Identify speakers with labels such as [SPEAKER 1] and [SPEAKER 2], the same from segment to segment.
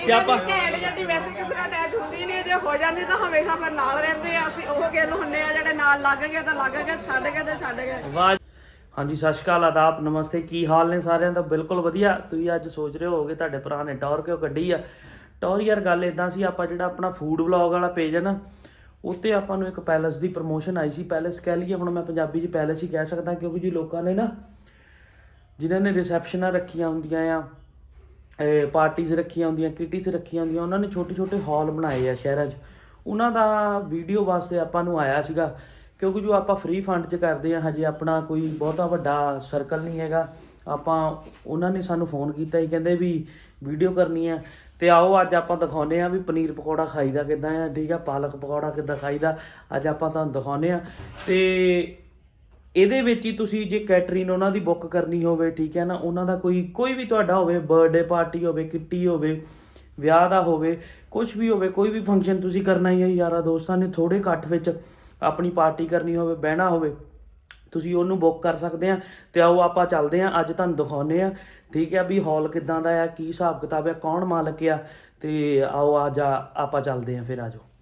[SPEAKER 1] ਕਿ ਆਪਾਂ
[SPEAKER 2] ਘੈਂਟ ਜੱਟੀ ਵੈਸੇ ਕਿਸੇ ਨਾਲ ਅਟੈਚ ਹੁੰਦੀ ਨਹੀਂ, ਜੇ ਹੋ ਜਾਂਦੀ ਤਾਂ ਹਮੇਸ਼ਾ ਫਿਰ ਨਾਲ ਰਹਿੰਦੇ ਆ। ਅਸੀਂ ਉਹ ਗਿੱਲ ਹੁੰਨੇ ਆ ਜਿਹੜੇ ਨਾਲ ਲੱਗ ਗਏ ਤਾਂ ਲੱਗ ਗਏ, ਛੱਡ ਗਏ ਤਾਂ ਛੱਡ ਗਏ।
[SPEAKER 1] ਵਾਹ ਹਾਂਜੀ, ਸਤਿ ਸ਼੍ਰੀ ਅਕਾਲ, ਆਦਾਬ, ਨਮਸਤੇ। ਕੀ ਹਾਲ ਨੇ ਸਾਰਿਆਂ ਦਾ? ਬਿਲਕੁਲ ਵਧੀਆ। ਤੁਸੀਂ ਅੱਜ ਸੋਚ ਰਹੇ ਹੋਗੇ ਤੁਹਾਡੇ ਭਰਾ ਨੇ ਟੌਰ ਕਿਉਂ ਕੱਢੀ ਆ। ਟੌਰ ਯਾਰ ਗੱਲ ਇਦਾਂ ਸੀ, ਆਪਾਂ ਜਿਹੜਾ ਆਪਣਾ ਫੂਡ ਵਲੌਗ ਵਾਲਾ ਪੇਜ ਹੈ ਨਾ, ਉੱਤੇ ਆਪਾਂ ਨੂੰ ਇੱਕ ਪੈਲਸ ਦੀ ਪ੍ਰਮੋਸ਼ਨ ਆਈ ਸੀ। ਪੈਲਸ ਕਹਿ ਲਈਏ, ਹੁਣ ਮੈਂ ਪੰਜਾਬੀ 'ਚ ਪੈਲਸ ਹੀ ਕਹਿ ਸਕਦਾ, ਕਿਉਂਕਿ ਜੀ ਲੋਕਾਂ ਨੇ ਨਾ ਜਿਨ੍ਹਾਂ ਨੇ ਰਿਸੈਪਸ਼ਨਾਂ ਰੱਖੀਆਂ ਹੁੰਦੀਆਂ ਆ, ਪਾਰਟੀਜ਼ ਰੱਖੀਆਂ ਹੁੰਦੀਆਂ, ਕਿਟੀਜ਼ ਰੱਖੀਆਂ ਹੁੰਦੀਆਂ, ਉਹਨਾਂ ਨੇ ਛੋਟੇ ਛੋਟੇ ਹਾਲ ਬਣਾਏ ਆ ਸ਼ਹਿਰਾਂ 'ਚ। ਉਹਨਾਂ ਦਾ ਵੀਡੀਓ ਵਾਸਤੇ ਆਪਾਂ ਨੂੰ ਆਇਆ ਸੀਗਾ, ਕਿਉਂਕਿ ਜੋ ਆਪਾਂ ਫ੍ਰੀ ਫੰਡ 'ਚ ਕਰਦੇ ਹਾਂ, ਹਜੇ ਆਪਣਾ ਕੋਈ ਬਹੁਤਾ ਵੱਡਾ ਸਰਕਲ ਨਹੀਂ ਹੈਗਾ। ਆਪਾਂ ਉਹਨਾਂ ਨੇ ਸਾਨੂੰ ਫੋਨ ਕੀਤਾ ਸੀ, ਕਹਿੰਦੇ ਵੀ ਵੀਡੀਓ ਕਰਨੀ ਹੈ, ਤੇ ਆਓ ਅੱਜ ਆਪਾਂ ਦਿਖਾਉਂਦੇ ਹਾਂ ਵੀ ਪਨੀਰ ਪਕੌੜਾ ਖਾਈਦਾ ਕਿੱਦਾਂ ਆ, ਠੀਕ ਆ, ਪਾਲਕ ਪਕੌੜਾ ਕਿੱਦਾਂ ਖਾਈਦਾ, ਅੱਜ ਆਪਾਂ ਤੁਹਾਨੂੰ ਦਿਖਾਉਂਦੇ ਹਾਂ। ਤੇ ਇਹਦੇ ਵਿੱਚ ਹੀ ਤੁਸੀਂ ਜੇ ਕੈਟਰਿੰਗ ਉਹਨਾਂ ਦੀ ਬੁੱਕ ਕਰਨੀ ਹੋਵੇ, ਠੀਕ ਹੈ ਨਾ, ਉਹਨਾਂ ਦਾ ਕੋਈ ਵੀ ਤੁਹਾਡਾ ਹੋਵੇ, ਬਰਥਡੇ ਪਾਰਟੀ ਹੋਵੇ, ਕਿੱਟੀ ਹੋਵੇ, ਵਿਆਹ ਦਾ ਹੋਵੇ, ਕੁਝ ਵੀ ਹੋਵੇ, ਕੋਈ ਵੀ ਫੰਕਸ਼ਨ ਤੁਸੀਂ ਕਰਨਾ ਹੀ ਹੈ, ਯਾਰਾਂ ਦੋਸਤਾਂ ਨੇ ਥੋੜ੍ਹੇ ਇਕੱਠ ਵਿੱਚ ਆਪਣੀ ਪਾਰਟੀ ਕਰਨੀ ਹੋਵੇ, ਬਹਿਣਾ ਹੋਵੇ, ਤੁਸੀਂ ਉਹਨੂੰ ਬੁੱਕ ਕਰ ਸਕਦੇ ਆ। ਤੇ ਆਓ ਆਪਾਂ ਚੱਲਦੇ ਹਾਂ, ਅੱਜ ਤੁਹਾਨੂੰ ਦਿਖਾਉਂਦੇ ਆ, ਠੀਕ ਹੈ, ਵੀ ਹਾਲ ਕਿੱਦਾਂ ਦਾ ਆ, ਕੀ ਹਿਸਾਬ ਕਿਤਾਬ ਆ, ਕੌਣ ਮਾਲਕ ਆ, ਤੇ ਆਓ ਅੱਜ ਆਪਾਂ ਚੱਲਦੇ ਹਾਂ। ਫਿਰ ਆ ਜਾਓ।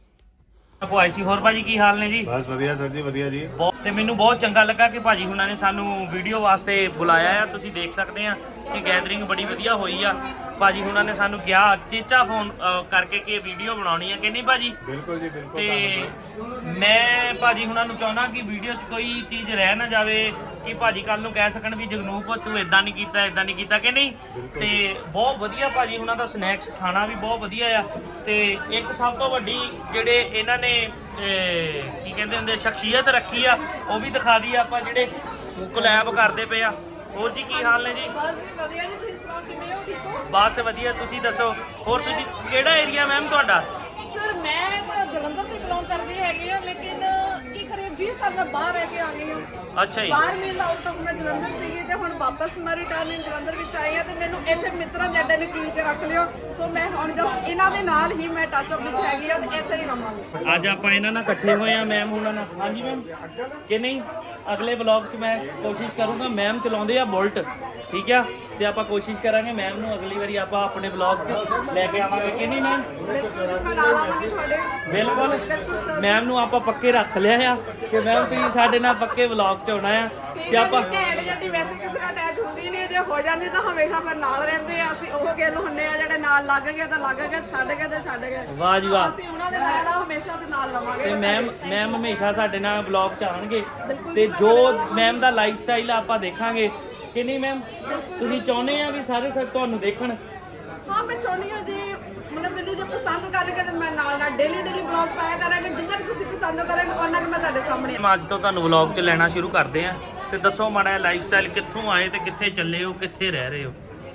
[SPEAKER 1] ਆਈ ਸੀ। ਹੋਰ ਭਾਜੀ ਕੀ ਹਾਲ ਨੇ ਜੀ?
[SPEAKER 3] ਬਸ ਵਧੀਆ ਸਰ ਜੀ, ਵਧੀਆ ਜੀ।
[SPEAKER 1] ਤੇ ਮੈਨੂੰ ਬਹੁਤ ਚੰਗਾ ਲੱਗਾ ਕਿ ਭਾਜੀ ਹੁਣਾਂ ਨੇ ਸਾਨੂੰ ਵੀਡੀਓ ਵਾਸਤੇ ਬੁਲਾਇਆ ਆ। ਤੁਸੀਂ ਦੇਖ ਸਕਦੇ ਆ ਕਿ ਗੈਦਰਿੰਗ ਬੜੀ ਵਧੀਆ ਹੋਈ ਆ। ਭਾਜੀ ਹੁਣਾਂ ਨੇ ਸਾਨੂੰ ਕਿਹਾ ਚੇਚਾ ਫੋਨ ਕਰਕੇ ਕਿ ਵੀਡੀਓ ਬਣਾਉਣੀ ਆ, ਕਿ ਨਹੀਂ ਭਾਜੀ?
[SPEAKER 3] ਬਿਲਕੁਲ ਜੀ, ਬਿਲਕੁਲ।
[SPEAKER 1] ਤੇ ਮੈਂ ਭਾਜੀ ਹੁਣਾਂ ਨੂੰ ਚਾਹੁੰਦਾ ਕਿ ਵੀਡੀਓ 'ਚ ਕੋਈ ਚੀਜ਼ ਰਹਿ ਨਾ ਜਾਵੇ, ਕਿ ਭਾਜੀ ਕੱਲ ਨੂੰ ਕਹਿ ਸਕਣ ਵੀ ਜਗਨੂਪ ਤੂੰ ਇਦਾਂ ਨਹੀਂ ਕੀਤਾ, ਇਦਾਂ ਨਹੀਂ ਕੀਤਾ, ਕਿ ਨਹੀਂ? ਤੇ ਬਹੁਤ ਵਧੀਆ ਭਾਜੀ ਹੁਣਾਂ ਦਾ ਸਨੈਕਸ ਖਾਣਾ ਵੀ ਬਹੁਤ ਵਧੀਆ ਆ। ਤੇ ਇੱਕ ਸਭ ਤੋਂ ਵੱਡੀ ਜਿਹੜੇ ਇਹਨਾਂ ਨੇ ਕੀ ਕਹਿੰਦੇ ਹੁੰਦੇ ਸ਼ਖਸੀਅਤ ਰੱਖੀ ਆ, ਉਹ ਵੀ ਦਿਖਾ ਦਈਏ ਆਪਾਂ, ਜਿਹੜੇ ਕੋਲੈਬ ਕਰਦੇ ਪਏ ਆ। ਹੋਰ ਜੀ ਕੀ ਹਾਲ ਨੇ ਜੀ?
[SPEAKER 2] ਬਸ ਜੀ ਵਧੀਆ ਜੀ, ਤੁਸੀਂ ਸੁਣਾਓ ਕਿਵੇਂ ਹੋ? ਠੀਕ ਹੋ?
[SPEAKER 1] ਬਸ ਵਧੀਆ, ਤੁਸੀਂ ਦੱਸੋ। ਹੋਰ ਤੁਸੀਂ ਕਿਹੜਾ ਏਰੀਆ ਮੈਮ ਤੁਹਾਡਾ?
[SPEAKER 2] ਸਰ ਮੈਂ ਤਾਂ ਜਲੰਧਰ ਤੋਂ ਬਿਲੋਂਗ ਕਰਦੀ ਹੈਗੀ ਆ, ਲੇਕਿਨ ਕੀ ਕਰੇ 20 ਸਾਲ ਮੈਂ ਬਾਹਰ ਰਹਿ ਕੇ ਆ ਗਈ ਹਾਂ।
[SPEAKER 1] ਅੱਛਾ ਜੀ।
[SPEAKER 2] 12 ਮਹੀਨਾ ਆਊਟ ਆਫ ਮੈਂ ਜਲੰਧਰ ਸੀਗੀ, ਤੇ ਹੁਣ ਵਾਪਸ ਮੈਂ ਰਿਟਰਨ ਜਲੰਧਰ ਵਿੱਚ ਆਈ ਆ। ਤੇ ਮੈਨੂੰ ਇੱਥੇ ਮਿੱਤਰਾਂ ਦੇ ਅੱਡੇ ਲਕੀਰ ਕੇ ਰੱਖ ਲਿਓ। ਸੋ ਮੈਂ ਹੁਣ ਜਸਟ ਇਹਨਾਂ ਦੇ ਨਾਲ ਹੀ ਮੈਂ ਟੱਚ ਅਪ ਵਿੱਚ ਹੈਗੀ ਆ, ਤੇ ਇੱਥੇ ਹੀ ਰਵਾਂਗੀ।
[SPEAKER 1] ਅੱਜ ਆਪਾਂ ਇਹਨਾਂ ਨਾਲ ਇਕੱਠੇ ਹੋਏ ਆ, ਮੈਮ ਹੁਣਾਂ ਨਾਲ। ਹਾਂਜੀ ਮੈਮ, ਕਿ ਨਹੀਂ? ਅਗਲੇ ਵਲੌਗ 'ਚ ਮੈਂ ਕੋਸ਼ਿਸ਼ ਕਰੂੰਗਾ, ਮੈਮ ਚਲਾਉਂਦੇ ਆ ਬੁਲਟ, ਠੀਕ ਆ, ਤੇ ਆਪਾਂ ਕੋਸ਼ਿਸ਼ ਕਰਾਂਗੇ ਮੈਮ ਨੂੰ ਅਗਲੀ ਵਾਰੀ ਆਪਾਂ ਆਪਣੇ ਵਲੌਗ 'ਚ ਲੈ ਕੇ ਆਵਾਂਗੇ, ਕਿ ਨਹੀਂ ਮੈਮ?
[SPEAKER 2] ਮੈਂ ਨਾਲ ਆਵਾਂਗੀ ਤੁਹਾਡੇ।
[SPEAKER 1] ਬਿਲਕੁਲ, ਮੈਮ ਨੂੰ ਆਪਾਂ ਪੱਕੇ ਰੱਖ ਲਿਆ ਆ ਕਿ ਮੈਮ ਤੁਸੀਂ ਸਾਡੇ ਨਾਲ ਪੱਕੇ ਵਲੌਗ 'ਚ ਆਉਣਾ ਆ। ਤੇ ਆਪਾਂ
[SPEAKER 2] ਘੈਂਟ ਜੱਟੀ ਵੈਸੇ ਕਿਸੇ ਨਾਲ ਅਟੈਚ ਹੁੰਦੀ ਨਹੀਂ, ਜੇ ਹੋ ਜਾਂਦੀ ਤਾਂ ਹਮੇਸ਼ਾ ਫਿਰ ਨਾਲ ਰਹਿੰਦੇ ਆ। ਅਸੀਂ ਉਹ ਗਿੱਲ ਹੁੰਨੇ ਆ ਜਿਹੜੇ ਨਾਲ ਲੱਗ ਗਏ ਤਾਂ ਲੱਗ ਗਏ, ਛੱਡ ਗਏ ਤਾਂ ਛੱਡ ਗਏ।
[SPEAKER 1] ਵਾਹ ਜੀ ਵਾਹ।
[SPEAKER 2] ਅਸੀਂ ਉਹਨਾਂ ਦੇ ਨਾਲ ਆ, ਹਮੇਸ਼ਾ ਦੇ ਨਾਲ ਰਵਾਂਗੇ।
[SPEAKER 1] ਤੇ ਮੈਮ ਹਮੇਸ਼ਾ ਸਾਡੇ ਨਾਲ ਵਲੌਗ 'ਚ ਆਉਣਗੇ, ਤੇ ਜੋ ਮੈਮ ਦਾ ਲਾਈਫ ਸਟਾਈਲ ਆਪਾਂ ਦੇਖਾਂਗੇ, ਕਿ ਨਹੀਂ ਮੈਮ? ਤੁਸੀਂ ਚਾਹੁੰਦੇ ਆ ਵੀ ਸਾਰੇ ਸਰ ਤੁਹਾਨੂੰ ਦੇਖਣ?
[SPEAKER 2] ਹਾਂ, ਮੈਂ ਚਾਹੁੰਦੀ ਹਾਂ ਜੀ, ਮਤਲਬ ਮੈਨੂੰ ਜੇ ਪਸੰਦ ਕਰਨਗੇ ਤਾਂ ਮੈਂ ਨਾਲ ਡੇਲੀ ਵਲੌਗ ਪਾਇਆ ਕਰਾਂਗੇ। ਜਿੰਨਾ ਵੀ ਤੁਸੀਂ ਪਸੰਦ ਕਰੋਗੇ ਉਹਨਾਂ ਕਿ ਮੈਂ ਤੁਹਾਡੇ ਸਾਹਮਣੇ।
[SPEAKER 1] ਅੱਜ ਤੋਂ ਤੁਹਾਨੂੰ ਵਲੌਗ 'ਚ ਲੈਣਾ ਸ਼ੁਰੂ ਕਰਦੇ ਆ, ਤੇ ਦੱਸੋ ਮਾੜਾ ਲਾਈਫ ਸਟਾਈਲ, ਕਿੱਥੋਂ ਆਏ ਤੇ ਕਿੱਥੇ ਚੱਲੇ ਹੋ, ਕਿੱਥੇ ਰਹਿ ਰਹੇ ਹੋ?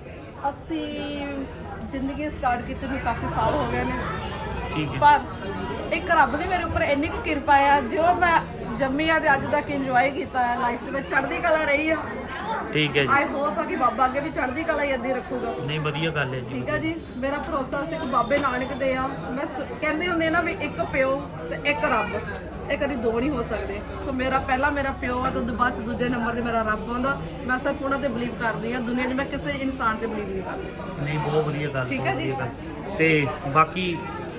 [SPEAKER 2] ਅਸੀਂ ਜ਼ਿੰਦਗੀ ਸਟਾਰਟ ਕੀਤੀ ਨੂੰ ਕਾਫੀ ਸਾਲ ਹੋ ਗਏ ਨੇ,
[SPEAKER 1] ਠੀਕ ਹੈ।
[SPEAKER 2] ਪਰ ਇੱਕ ਰੱਬ ਦੀ ਮੇਰੇ ਉੱਪਰ ਇੰਨੀ ਕੁ ਕਿਰਪਾ ਆ, ਜੋ ਮੈਂ ਜੰਮੀ ਆ ਤੇ ਅੱਜ ਤੱਕ ਇੰਜੋਏ ਕੀਤਾ ਹੈ ਲਾਈਫ ਦੇ ਵਿੱਚ, ਚੜ੍ਹਦੀ ਕਲਾ ਰਹੀ ਆ।
[SPEAKER 1] ਠੀਕ ਹੈ ਜੀ।
[SPEAKER 2] ਆਈ ਹੋਪ ਆ ਕਿ ਬਾਬਾ ਅੱਗੇ ਵੀ ਚੜ੍ਹਦੀ ਕਲਾ ਹੀ ਏਦਾਂ ਰੱਖੂਗਾ।
[SPEAKER 1] ਨਹੀਂ, ਵਧੀਆ ਗੱਲ ਹੈ ਜੀ।
[SPEAKER 2] ਠੀਕ ਹੈ ਜੀ, ਮੇਰਾ ਭਰੋਸਾ ਸਿੱਖ ਬਾਬੇ ਨਾਨਕ ਦੇ ਆ। ਮੈਂ ਕਹਿੰਦੇ ਹੁੰਦੇ ਨਾ ਵੀ ਇੱਕ ਪਿਓ ਤੇ ਇੱਕ ਰੱਬ, ਇਹ ਕਦੀ ਦੋ ਨਹੀਂ ਹੋ ਸਕਦੇ। ਸੋ ਮੇਰਾ ਪਹਿਲਾ ਮੇਰਾ ਪਿਓ ਆ, ਤੇ ਉਦੋਂ ਬਾਅਦ ਦੂਜੇ ਨੰਬਰ ਤੇ ਮੇਰਾ ਰੱਬ ਆਉਂਦਾ। ਮੈਂ ਸਿਰਫ ਉਹਨਾਂ ਤੇ ਬਲੀਵ ਕਰਦੀ ਆ, ਦੁਨੀਆ 'ਚ ਮੈਂ ਕਿਸੇ ਇਨਸਾਨ ਤੇ ਬਲੀਵ ਨਹੀਂ ਕਰਦੀ।
[SPEAKER 1] ਨਹੀਂ, ਬਹੁਤ ਵਧੀਆ ਗੱਲ।
[SPEAKER 2] ਠੀਕ ਹੈ ਜੀ।
[SPEAKER 1] ਤੇ ਬਾਕੀ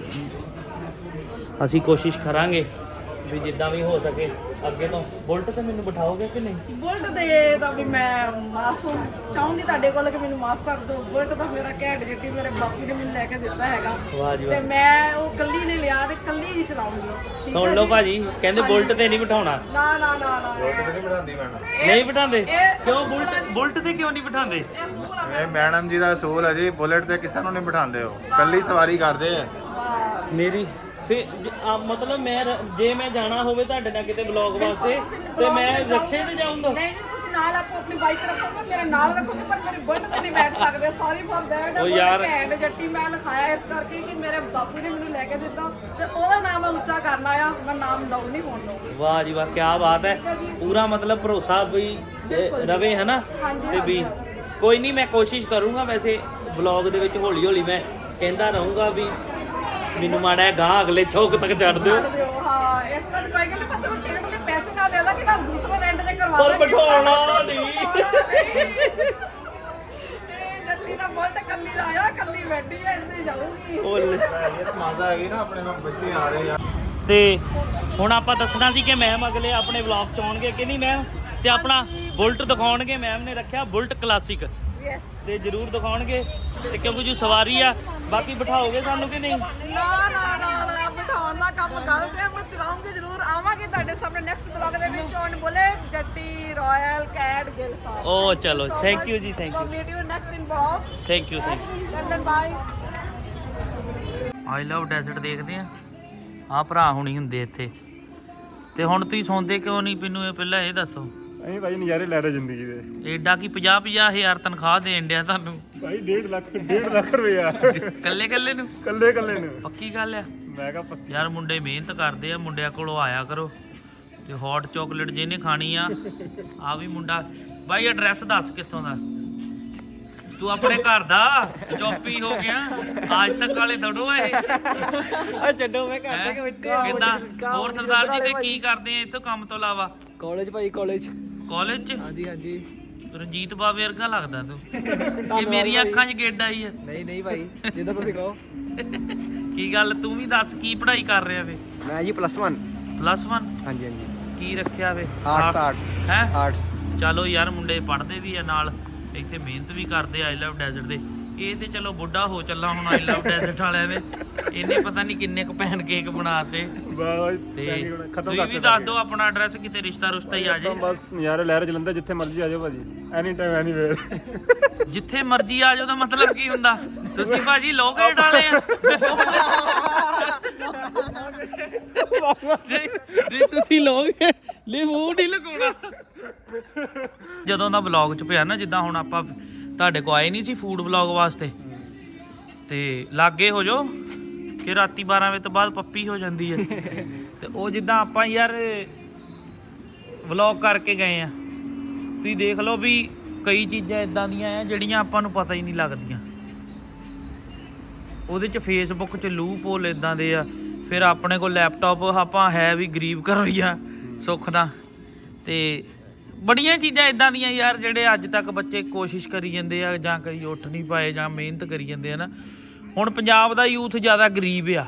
[SPEAKER 1] ਅਸੀਂ ਕੋਸ਼ਿਸ਼ ਕਰਾਂਗੇ ਵੀ ਜਿੱਦਾਂ ਵੀ ਹੋ ਸਕੇ ਅੱਗੇ ਤੋਂ। ਬੁਲਟ ਤੇ ਮੈਨੂੰ ਬਿਠਾਓਗੇ ਕਿ ਨਹੀਂ?
[SPEAKER 2] ਬੁਲਟ ਦੇ ਤਾਂ ਵੀ ਮੈਂ ਮਾਫ ਚਾਹੂੰਗੀ ਤੁਹਾਡੇ ਕੋਲ ਕਿ ਮੈਨੂੰ ਮਾਫ ਕਰ ਦਿਓ। ਬੁਲਟ ਤਾਂ ਮੇਰਾ ਘੈਂਟ ਜੱਟੀ ਮੇਰੇ ਬਾਪੂ ਨੇ ਮੈਨੂੰ ਲੈ ਕੇ ਦਿੱਤਾ ਹੈਗਾ,
[SPEAKER 1] ਵਾਹ ਜੀ ਵਾਹ।
[SPEAKER 2] ਤੇ ਮੈਂ ਉਹ ਕੱਲੀ ਨੇ ਲਿਆ ਤੇ ਕੱਲੀ ਹੀ ਚਲਾਉਂਗੀ।
[SPEAKER 1] ਸੁਣ ਲਓ ਭਾਜੀ, ਕਹਿੰਦੇ ਬੁਲਟ ਤੇ ਨਹੀਂ ਬਿਠਾਉਣਾ।
[SPEAKER 2] ਨਾ ਨਾ ਨਾ ਨਾ,
[SPEAKER 3] ਨਹੀਂ ਬਿਠਾਉਂਦੀ ਮੈਡਮ।
[SPEAKER 1] ਨਹੀਂ ਬਿਠਾਉਂਦੇ? ਕਿਉਂ? ਬੁਲਟ ਤੇ ਕਿਉਂ ਨਹੀਂ ਬਿਠਾਉਂਦੇ?
[SPEAKER 2] ਇਹ ਸਕੂਲ ਆ
[SPEAKER 3] ਇਹ ਮੈਡਮ ਜੀ ਦਾ ਅਸੂਲ ਹੈ ਜੀ, ਬੁਲਟ ਤੇ ਕਿਸੇ ਨੂੰ ਨਹੀਂ ਬਿਠਾਉਂਦੇ, ਹੋ ਕੱਲੀ ਸਵਾਰੀ ਕਰਦੇ ਆ।
[SPEAKER 1] ਮੇਰੀ ਫਿਰ ਮਤਲਬ ਜੇ ਮੈਂ ਜਾਣਾ ਹੋਵੇ ਤੁਹਾਡੇ ਨਾਲ ਕਿਤੇ ਵਲੌਗ ਵਾਸਤੇ, ਤੇ ਮੈਂ ਰਿਕਸ਼ੇ ਤੇ ਜਾਊਂਗਾ?
[SPEAKER 2] ਨਹੀਂ, ਤੁਸੀਂ ਨਾਲ ਆਪੋ ਆਪਣੀ ਬਾਈਕ ਰੱਖੋਗੇ, ਮੇਰੇ ਨਾਲ ਰੱਖੋਗੇ, ਪਰ ਮੇਰੇ ਬੁਲਟ ਤੇ ਨਹੀਂ ਬੈਠ ਸਕਦੇ। Sorry for that.
[SPEAKER 1] ਉਹ ਯਾਰ,
[SPEAKER 2] ਘੈਂਟ ਜੱਟੀ ਮੈਂ ਲਿਖਾਇਆ ਇਸ ਕਰਕੇ ਕਿ ਮੇਰੇ ਬਾਪੂ ਨੇ ਮੈਨੂੰ ਲੈ ਕੇ ਦਿੱਤਾ, ਤੇ ਉਹਦਾ ਨਾਮ ਮੈਂ ਉੱਚਾ ਕਰਨਾ ਆ, ਮੈਂ ਨਾਮ ਡਾਊਨ ਨਹੀਂ ਹੋਣ ਦਊਂਗੀ।
[SPEAKER 1] ਵਾਹ ਜੀ ਵਾਹ, ਕੀ ਬਾਤ ਹੈ। ਪੂਰਾ ਮਤਲਬ ਭਰੋਸਾ ਵੀ ਰਵੇ, ਹੈ ਨਾ? ਤੇ ਵੀ ਕੋਈ ਨਹੀਂ, ਮੈਂ ਕੋਸ਼ਿਸ਼ ਕਰੂੰਗਾ। ਵੈਸੇ ਵਲੌਗ ਦੇ ਵਿੱਚ ਹੌਲੀ ਹੌਲੀ ਮੈਂ ਕਹਿੰਦਾ ਰਹੂੰਗਾ ਵੀ ਮੈਨੂੰ ਮਾੜਾ ਗਾਂ ਅਗਲੇ ਚੌਕ ਤੱਕ ਛੱਡ ਦਿਓ।
[SPEAKER 2] ਹਾਂ, ਇਸ ਤਰ੍ਹਾਂ ਦੀ ਕੋਈ ਗੱਲ ਨਹੀਂ, ਪਰ ਤੁਹਾਨੂੰ ਟਿਕਟ ਦੇ ਪੈਸੇ ਨਾਲ ਦੇਦਾ ਕਿ ਨਾ ਦੂਸਰਾ ਰੈਂਟ ਤੇ ਕਰਵਾ
[SPEAKER 1] ਪਰ ਬਿਠਾਉਣਾ ਨਹੀਂ।
[SPEAKER 2] ਜੱਟੀ ਦਾ ਬੁਲਟ ਕੱਲੀ ਦਾ ਆਇਆ, ਕੱਲੀ ਬੈਠੀ ਐ, ਇੱਥੇ ਜਾਊਗੀ।
[SPEAKER 1] ਓਲੇ
[SPEAKER 3] ਇਹ ਤਾਂ ਮਜ਼ਾ ਆ ਗਈ ਨਾ ਆਪਣੇ ਨਾਲ ਬੱਚੇ ਆ ਰਹੇ ਆ
[SPEAKER 1] ਤੇ ਹੁਣ ਆਪਾਂ ਦੱਸਣਾ ਸੀ ਕਿ ਮੈਮ ਅਗਲੇ ਆਪਣੇ ਵਲੌਗ ਚ ਆਉਣਗੇ ਕਿ ਨਹੀਂ ਮੈਮ, ਤੇ ਆਪਣਾ ਬੁਲਟ ਦਿਖਾਉਣਗੇ। ਮੈਮ ਨੇ ਰੱਖਿਆ ਬੁਲਟ ਕਲਾਸਿਕ
[SPEAKER 2] ਯੈਸ।
[SPEAKER 1] ਤੇ ਜ਼ਰੂਰ ਦਿਖਾਉਣਗੇ, ਤੇ ਕਿਉਂਕਿ ਜੋ ਸਵਾਰੀ ਆ ਬਾਕੀ ਬਿਠਾਓਗੇ ਸਾਨੂੰ ਕਿ ਨਹੀਂ?
[SPEAKER 2] ਨਾ ਬਿਠਾਉਣ ਦਾ ਕੰਮ ਗਲਤ ਹੈ, ਮੈਂ ਚਲਾਉਂਗੀ ਜ਼ਰੂਰ। ਆਵਾਂਗੇ ਤੁਹਾਡੇ ਸਾਹਮਣੇ ਨੈਕਸਟ ਵਲੌਗ ਦੇ ਵਿੱਚ ਔਨ ਬੁਲਟ ਜੱਟੀ ਰਾਇਲ ਕੈਟ ਗਿੱਲ ਸਾਹਿਬ।
[SPEAKER 1] ਓ ਚਲੋ, ਥੈਂਕ ਯੂ ਜੀ, thank
[SPEAKER 2] so
[SPEAKER 1] you,
[SPEAKER 2] meet you next in vlog.
[SPEAKER 1] Thank you,
[SPEAKER 2] then bye.
[SPEAKER 1] I love desert ਦੇਖਦੇ ਆ। ਆ ਭਰਾ ਹੁਣੀ ਹੁੰਦੇ ਇੱਥੇ। ਤੇ ਹੁਣ ਤੁਸੀਂ ਸੌਂਦੇ ਕਿਉਂ ਨਹੀਂ? ਮੈਨੂੰ ਇਹ ਪਹਿਲਾਂ ਇਹ ਦੱਸੋ।
[SPEAKER 4] ਅਸੀਂ ਭਾਈ ਨਜ਼ਾਰੇ ਲੈ ਰਹੇ ਜ਼ਿੰਦਗੀ ਦੇ।
[SPEAKER 1] ਏਡਾ ਕੀ 50-50 ਹਜ਼ਾਰ ਤਨਖਾਹ ਦੇਣ ਡਿਆ ਤੁਹਾਨੂੰ?
[SPEAKER 4] ਭਾਈ 1.5 ਲੱਖ ਰੁਪਇਆ
[SPEAKER 1] ਕੱਲੇ ਕੱਲੇ ਨੂੰ?
[SPEAKER 4] ਕੱਲੇ ਨੂੰ।
[SPEAKER 1] ਪੱਕੀ ਗੱਲ ਆ?
[SPEAKER 4] ਮੈਂ ਕਿਹਾ ਪੱਕੀ।
[SPEAKER 1] ਯਾਰ ਮੁੰਡੇ ਮਿਹਨਤ ਕਰਦੇ ਆ, ਮੁੰਡਿਆਂ ਕੋਲੋਂ ਆਇਆ ਕਰੋ। ਤੇ ਹੌਟ ਚਾਕਲੇਟ ਜਿਹਨੇ ਖਾਣੀ ਆ ਆ ਵੀ ਮੁੰਡਾ। ਬਾਈ ਐਡਰੈਸ ਦੱਸ ਕਿੱਥੋਂ ਦਾ? ਤੂੰ ਆਪਣੇ ਘਰ ਦਾ ਚੋਪੀ ਹੋ ਗਿਆ ਅੱਜ ਤੱਕ ਵਾਲੇ ਥੋੜੋ ਇਹ।
[SPEAKER 5] ਛੱਡੋ ਮੈਂ ਘਰ ਦੇ ਵਿੱਚ
[SPEAKER 1] ਕਿੱਦਾਂ ਹੋਰ ਸਰਦਾਰ ਜੀ ਤੇ ਕੀ ਕਰਦੇ ਆ ਇੱਥੋਂ ਕੰਮ ਤੋਂ ਇਲਾਵਾ?
[SPEAKER 5] ਕਾਲਜ ਭਾਈ ਕਾਲਜ
[SPEAKER 1] ਚ?
[SPEAKER 5] ਹਾਂਜੀ
[SPEAKER 1] ਰਣਜੀਤ ਬਾਵੇ ਵਰਗਾ ਲੱਗਦਾ ਤੂੰ। ਇਹ ਮੇਰੀਆਂ ਅੱਖਾਂ 'ਚ ਗੇਡ ਆਈ ਆ।
[SPEAKER 5] ਨਹੀਂ ਭਾਈ ਜਿੱਦਾਂ ਤੁਸੀਂ ਕਹੋ।
[SPEAKER 1] ਕੀ ਗੱਲ ਤੂੰ ਵੀ ਦੱਸ ਕੀ ਪੜ੍ਹਾਈ ਕਰ ਰਿਹਾ ਵੇ?
[SPEAKER 5] ਮੈਂ ਜੀ +1।
[SPEAKER 1] +1?
[SPEAKER 5] ਹਾਂਜੀ
[SPEAKER 1] ਕੀ ਰੱਖਿਆ ਵੇ?
[SPEAKER 5] ਆਰਟਸ
[SPEAKER 1] ਹੈ
[SPEAKER 5] ਆਰਟਸ।
[SPEAKER 1] ਚਲੋ ਯਾਰ ਮੁੰਡੇ ਪੜ੍ਹਦੇ ਵੀ ਆ ਨਾਲ, ਇੱਥੇ ਮਿਹਨਤ ਵੀ ਕਰਦੇ ਆਈ ਲਵ ਡੈਜ਼ਰਟ ਦੇ। ਇਹ ਤੇ ਚਲੋ ਬੁੱਢਾ ਹੋ ਚੱਲਾ ਹੁਣ ਆਈ ਲਵ ਡੈਜ਼ਰਟ ਵਾਲਿਆਂ ਦੇ। ਇਹਨੇ ਪਤਾ ਨਹੀਂ ਕਿੰਨੇ ਕੁ ਪੈਨ ਕੇਕ ਬਣਾਤੇ। ਤੇ ਤੁਸੀਂ ਵੀ ਦੱਸ ਦਿਓ ਆਪਣਾ ਐਡਰੈਸ, ਕਿਤੇ ਰਿਸ਼ਤਾ ਰੁਸ਼ਤਾ ਹੀ ਆ ਜੇ।
[SPEAKER 4] ਬਸ ਨਜ਼ਾਰੇ ਲੈ ਰਹੇ ਜਲੰਧਰ, ਜਿੱਥੇ ਮਰਜ਼ੀ ਆ ਜਾਓ ਭਾਜੀ, ਐਨੀ ਟਾਈਮ ਐਨੀਵੇਅਰ।
[SPEAKER 1] ਜਿੱਥੇ ਮਰਜ਼ੀ ਆ ਜਾਓ ਦਾ ਮਤਲਬ ਕੀ ਹੁੰਦਾ? ਤੁਸੀਂ ਭਾਜੀ ਲੋਕ ਰੇਟ ਵਾਲੇ ਆ। ਜੇ ਤੁਸੀਂ ਲੋਕ ਲੈ ਮੂੰਹ ਨਹੀਂ ਲਗਾਉਣਾ। ਜਦੋਂ ਦਾ ਵਲੌਗ ਚ ਪਿਆ ਨਾ, ਜਿੱਦਾਂ ਹੁਣ ਆਪਾਂ ਤੁਹਾਡੇ ਕੋ ਆਏ ਨਹੀਂ ਸੀ ਫੂਡ ਵਲੌਗ ਵਾਸਤੇ, ਤੇ ਲਾਗੇ ਹੋ ਜਾਓ ਕਿ ਰਾਤੀ 12 ਵਜੇ ਤੋਂ ਬਾਅਦ ਪੱਪੀ ਹੋ ਜਾਂਦੀ ਹੈ। ਤੇ ਉਹ ਜਿੱਦਾਂ ਆਪਾਂ ਯਾਰ ਵਲੌਗ ਕਰਕੇ ਗਏ ਆ, ਤੁਸੀਂ ਦੇਖ ਲਓ ਵੀ ਕਈ ਚੀਜ਼ਾਂ ਇਦਾਂ ਦੀਆਂ ਆ ਜਿਹੜੀਆਂ ਆਪਾਂ ਨੂੰ ਪਤਾ ਹੀ ਨਹੀਂ ਲੱਗਦੀਆਂ। ਉਹਦੇ 'ਚ ਫੇਸਬੁੱਕ 'ਚ ਲੂਪ ਹੋਲ ਇਦਾਂ ਦੇ ਆ। ਫਿਰ ਆਪਣੇ ਕੋਲ ਲੈਪਟਾਪ, ਆਪਾਂ ਹੈ ਵੀ ਗਰੀਬ ਘਰੋਂ ਹੀ ਆ ਸੁੱਖ ਦਾ। ਤੇ ਬੜੀਆਂ ਚੀਜ਼ਾਂ ਇਦਾਂ ਦੀਆਂ ਯਾਰ ਜਿਹੜੇ ਅੱਜ ਤੱਕ ਬੱਚੇ ਕੋਸ਼ਿਸ਼ ਕਰੀ ਜਾਂਦੇ ਆ, ਜਾਂ ਕਈ ਉੱਠ ਨਹੀਂ ਪਾਏ, ਜਾਂ ਮਿਹਨਤ ਕਰੀ ਜਾਂਦੇ ਆ ਨਾ। ਹੁਣ ਪੰਜਾਬ ਦਾ ਯੂਥ ਜ਼ਿਆਦਾ ਗਰੀਬ ਆ,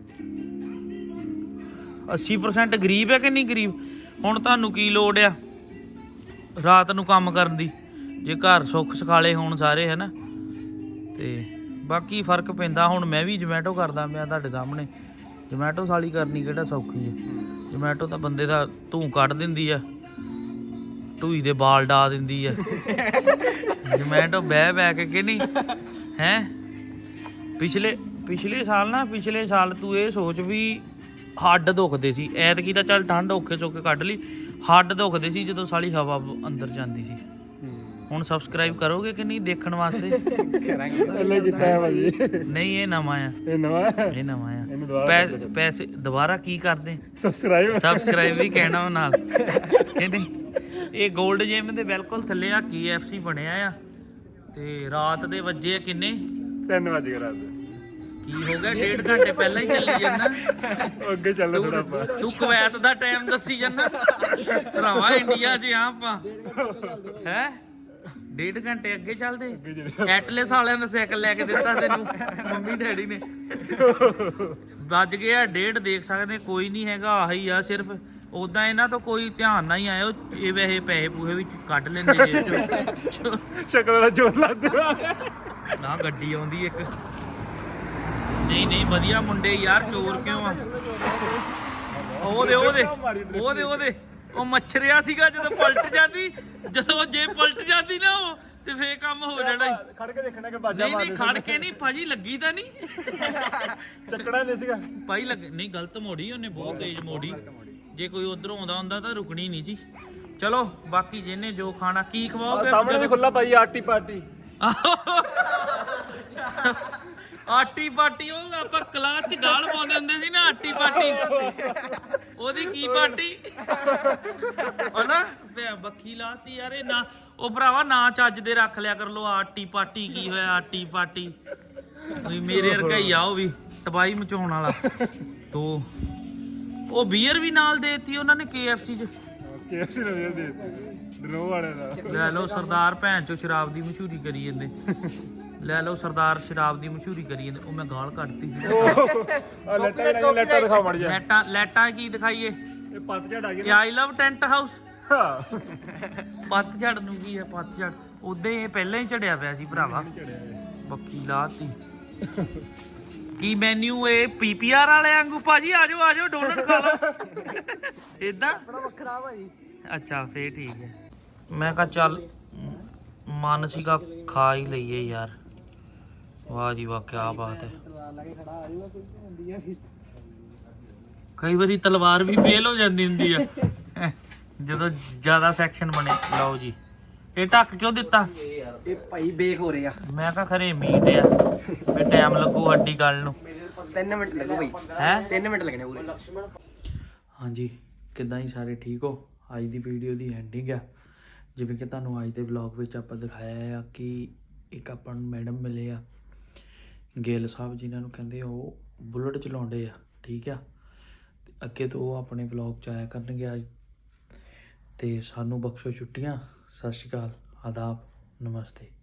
[SPEAKER 1] 80% ਗਰੀਬ ਆ ਕਿ ਨਹੀਂ ਗਰੀਬ? ਹੁਣ ਤੁਹਾਨੂੰ ਕੀ ਲੋੜ ਆ ਰਾਤ ਨੂੰ ਕੰਮ ਕਰਨ ਦੀ, ਜੇ ਘਰ ਸੁੱਖ ਸਖਾਲੇ ਹੋਣ ਸਾਰੇ, ਹੈ ਨਾ। ਤੇ ਬਾਕੀ ਫਰਕ ਪੈਂਦਾ। ਹੁਣ ਮੈਂ ਵੀ ਜਮੈਟੋ ਕਰਦਾ ਪਿਆ ਤੁਹਾਡੇ ਸਾਹਮਣੇ। ਜਮੈਟੋ ਸਾਲੀ ਕਰਨੀ ਕਿਹੜਾ ਸੌਖੀ ਹੈ? ਜਮੈਟੋ ਤਾਂ ਬੰਦੇ ਦਾ ਧੂੰ ਕੱਢ ਦਿੰਦੀ ਆ, ਢੂਈ ਦੇ ਬਾਲ ਡਾ ਦਿੰਦੀ ਆ। ਜਮੈਟੋ ਬਹਿ ਕੇ ਕਿ ਨਹੀਂ ਹੈ? ਪਿਛਲੇ ਸਾਲ ਤੂੰ ਇਹ ਸੋਚ ਵੀ ਹੱਡ ਦੁਖਦੇ ਸੀ। ਐਤਕੀ ਤਾਂ ਚੱਲ ਠੰਡ ਔਖੇ ਸੌਖੇ ਕੱਢ ਲਈ, ਹੱਡ ਦੁਖਦੇ ਸੀ ਜਦੋਂ ਸਾਲੀ ਹਵਾ ਅੰਦਰ ਜਾਂਦੀ ਸੀ। ਹੁਣ ਸਬਸਕ੍ਰਾਈਬ ਕਰੋਗੇ ਕਿ ਨਹੀਂ ਦੇਖਣ ਵਾਸਤੇ?
[SPEAKER 4] ਕੱਲੇ ਜਿੱਤਾ ਹੈ ਭਾਜੀ।
[SPEAKER 1] ਨਹੀਂ ਇਹ ਨਵਾਂ ਆ,
[SPEAKER 4] ਇਹ ਨਵਾਂ
[SPEAKER 1] ਆ। ਪੈਸੇ ਦੁਬਾਰਾ ਕੀ ਕਰਦੇ?
[SPEAKER 4] ਸਬਸਕ੍ਰਾਈਬ
[SPEAKER 1] ਵੀ ਕਹਿਣਾ ਨਾਲ ਕਿ ਨਹੀਂ? ਇਹ 골ਡ ਜਿਮ ਦੇ ਬਿਲਕੁਲ ਥੱਲੇ ਆ KFC ਬਣਿਆ ਆ। ਤੇ ਰਾਤ ਦੇ ਵੱਜੇ ਕਿੰਨੇ?
[SPEAKER 4] 3 ਵਜੇ ਰਾਤ
[SPEAKER 1] ਕੀ ਹੋ ਗਿਆ? 1.5 ਘੰਟੇ ਪਹਿਲਾਂ ਹੀ ਚੱਲੀ ਜਾਂਦਾ।
[SPEAKER 4] ਅੱਗੇ ਚੱਲ ਥੋੜਾ ਆਪਾਂ।
[SPEAKER 1] ਤੂੰ ਕੁਵੈਤ ਦਾ ਟਾਈਮ ਦੱਸੀ ਜਾਂਦਾ ਭਰਾਵਾ, ਇੰਡੀਆ 'ਚ ਆ ਆਪਾਂ ਹੈ। 1.5 ਘੰਟੇ ਅੱਗੇ ਚੱਲਦੇ। ਐਟਲਸ ਵਾਲਿਆਂ ਦਾ ਸਾਈਕਲ ਲੈ ਕੇ ਦਿੱਤਾ ਤੈਨੂੰ ਮੰਮੀ ਡੈਡੀ ਨੇ। ਵੱਜ ਗਿਆ 1:30, ਦੇਖ ਸਕਦੇ ਕੋਈ ਨਹੀਂ ਹੈਗਾ, ਆਹੀ ਆ ਸਿਰਫ। ਉਦਾਂ ਇਹਨਾਂ ਤੋਂ ਕੋਈ ਧਿਆਨ ਨਾ ਹੀ ਆਇਓ। ਇਹ ਵੈਸੇ ਪੈਸੇ ਪੂਹੇ ਵਿੱਚ ਕੱਢ ਲੈਂਦੇ ਜੇਬ ਚੋਂ।
[SPEAKER 4] ਸ਼ਕਲ ਦਾ ਜ਼ੋਰ ਲੱਗਦਾ
[SPEAKER 1] ਨਾ ਗੱਡੀ ਆਉਂਦੀ ਇੱਕ। ਨਹੀਂ ਵਧੀਆ ਮੁੰਡੇ ਯਾਰ, ਚੋਰ ਕਿਉਂ ਆ? ਉਹਦੇ ਉਹ ਮੱਛਰਿਆ ਸੀਗਾ ਜਦੋਂ ਪਲਟ ਜਾਂਦੀ, ਜਦੋਂ ਜੇ ਪਲਟ ਜਾਂਦੀ ਨਾ ਉਹ, ਤੇ ਫੇਰ ਕੰਮ ਹੋ ਜਾਣਾ।
[SPEAKER 4] ਖੜ ਕੇ ਦੇਖਣਾ ਕਿ ਬਾਜਾ
[SPEAKER 1] ਨਹੀਂ ਖੜ ਕੇ ਨਹੀਂ ਭਾਜੀ, ਲੱਗੀ ਤਾਂ ਨਹੀਂ।
[SPEAKER 4] ਚੱਕੜਾ ਨਹੀਂ ਸੀਗਾ
[SPEAKER 1] ਭਾਈ ਨਹੀਂ, ਗਲਤ ਮੋੜੀ ਉਹਨੇ, ਬਹੁਤ ਤੇਜ਼ ਮੋੜੀ। ਜੇ ਕੋਈ ਉਧਰੋਂ ਆਉਂਦਾ ਹੁੰਦਾ ਤਾਂ ਰੁਕਣੀ ਨਹੀਂ ਸੀ। ਚਲੋ ਬਾਕੀ ਜਿਹਨੇ ਜੋ ਖਾਣਾ, ਕੀ ਖਵਾਓਗੇ?
[SPEAKER 4] ਸਾਹਮਣੇ ਖੁੱਲਾ ਭਾਈ ਆਰਟੀ ਪਾਰਟੀ।
[SPEAKER 1] ਆਟੀ ਪਾਟੀ, ਉਹ ਆਪਾਂ ਕਲਾਸ ਚ ਗਾਲ ਪਾਉਂਦੇ ਹੁੰਦੇ ਸੀ ਨਾ, ਆਟੀ ਪਾਟੀ। ਉਹਦੀ ਕੀ ਪਾਟੀ ਉਹ ਨਾ ਬੱਖੀ ਲਾਤੀ ਯਾਰ। ਇਹ ਨਾ ਉਹ ਭਰਾਵਾ ਨਾ ਚੱਜ ਦੇ ਰੱਖ ਲਿਆ ਕਰ ਲੋ। ਆਟੀ ਪਾਟੀ ਕੀ ਹੋਇਆ? ਆਟੀ ਪਾਟੀ ਮੇਰੇ ਵਰਗਾ ਹੀ ਆ ਉਹ ਵੀ, ਤਬਾਹੀ ਮਚਾਉਣ ਵਾਲਾ। ਤੋ ਉਹ ਬੀਅਰ ਵੀ ਨਾਲ ਦੇਤੀ ਉਹਨਾਂ ਨੇ KFC 'ਚ।
[SPEAKER 4] KFC ਨੇ ਦੇ ਦਿੱਤੀ ਡਰੋ ਵਾਲੇ ਦਾ।
[SPEAKER 1] ਲੈ ਲਓ ਸਰਦਾਰ ਭੈਣ ਚੋ ਸ਼ਰਾਬ ਦੀ ਮਸ਼ਹੂਰੀ ਕਰੀ ਜਾਂਦੇ। ਲੈ ਲਓ ਸਰਦਾਰ ਸ਼ਰਾਬ ਦੀ ਮਸ਼ਹੂਰੀ ਕਰੀ ਜਾਂਦੇ। ਉਹ ਮੈਂ ਗਾਲ ਕੱਢਤੀ ਸੀ।
[SPEAKER 4] ਆ ਲੈਟਾ ਦਿਖਾ ਮੜ ਜਾ।
[SPEAKER 1] ਲੈਟਾਂ ਕੀ ਦਿਖਾਈਏ?
[SPEAKER 4] ਇਹ ਪੱਤਝੜ ਆ ਗਈ
[SPEAKER 1] ਆਈ ਲਵ ਟੈਂਟ ਹਾਊਸ।
[SPEAKER 4] ਹਾਂ
[SPEAKER 1] ਪੱਤਝੜ ਨੂੰ ਕੀ ਹੈ? ਪੱਤਝੜ ਉਦਾਂ ਹੀ ਇਹ ਪਹਿਲਾਂ ਹੀ ਝੜਿਆ ਪਿਆ ਸੀ ਭਰਾਵਾ। ਬੱਕੀ ਲਾਤੀ। ਕੀ ਮੈਨੂ ਇਹ ਪੀਪੀਆਰ ਵਾਲੇ ਵਾਂਗੂ ਭਾਜੀ ਆਜੋ ਡੋਨਟ ਖਾ ਲਓ ਇਦਾਂ
[SPEAKER 5] ਵੱਖਰਾ ਭਾਜੀ।
[SPEAKER 1] ਅੱਛਾ ਫੇਰ ਠੀਕ ਹੈ। ਮੈਂ ਕਿਹਾ ਚੱਲ ਮਨ ਸੀਗਾ ਖਾ ਹੀ ਲਈਏ ਯਾਰ। ਵਾਹ ਜੀ ਵਾਹ ਕੀ ਬਾਤ ਹੈ। ਕਈ ਵਾਰੀ ਤਲਵਾਰ ਵੀ ਫੇਲ ਹੋ ਜਾਂਦੀ ਹੁੰਦੀ ਆ ਜਦੋਂ ਜ਼ਿਆਦਾ ਸੈਕਸ਼ਨ ਬਣੇ। ਲਓ ਜੀ ਇਹ ਢੱਕ ਕਿਉਂ ਦਿੱਤਾ?
[SPEAKER 5] ਇਹ ਭਾਈ ਬੇਕ ਹੋ ਰਿਹਾ।
[SPEAKER 1] ਮੈਂ ਕਿਹਾ ਖਰੇ ਮੀਟ ਆ ਵੀ ਟਾਈਮ ਲੱਗੂ ਹੱਡੀ ਗੱਲ ਨੂੰ।
[SPEAKER 5] 3 ਮਿੰਟ ਲੱਗੂ ਭਾਈ।
[SPEAKER 1] ਹੈ
[SPEAKER 5] 3 ਮਿੰਟ ਲੱਗਣੇ ਪੂਰੇ।
[SPEAKER 1] ਹਾਂਜੀ ਕਿੱਦਾਂ ਹੀ ਸਾਰੇ ਠੀਕ ਹੋ? ਅੱਜ ਦੀ ਵੀਡੀਓ ਦੀ ਐਂਡਿੰਗ ਆ। ਜਿਵੇਂ ਕਿ ਤੁਹਾਨੂੰ ਅੱਜ ਦੇ ਵਲੌਗ ਵਿੱਚ ਆਪਾਂ ਦਿਖਾਇਆ ਆ ਕਿ ਇੱਕ ਆਪਾਂ ਨੂੰ ਮੈਡਮ ਮਿਲੇ ਆ ਗਿੱਲ ਸਾਹਿਬ, ਜਿਨ੍ਹਾਂ ਨੂੰ ਕਹਿੰਦੇ ਉਹ ਬੁਲਟ ਚਲਾਉਂਦੇ ਆ। ਠੀਕ ਆ, ਤੇ ਅੱਗੇ ਤੋਂ ਉਹ ਆਪਣੇ ਵਲੌਗ 'ਚ ਆਇਆ ਕਰਨਗੇ ਅੱਜ। ਤੇ ਸਾਨੂੰ ਬਖਸ਼ੋ ਛੁੱਟੀਆਂ। ਸਤਿ ਸ਼੍ਰੀ ਅਕਾਲ, ਆਦਾਬ, ਨਮਸਤੇ।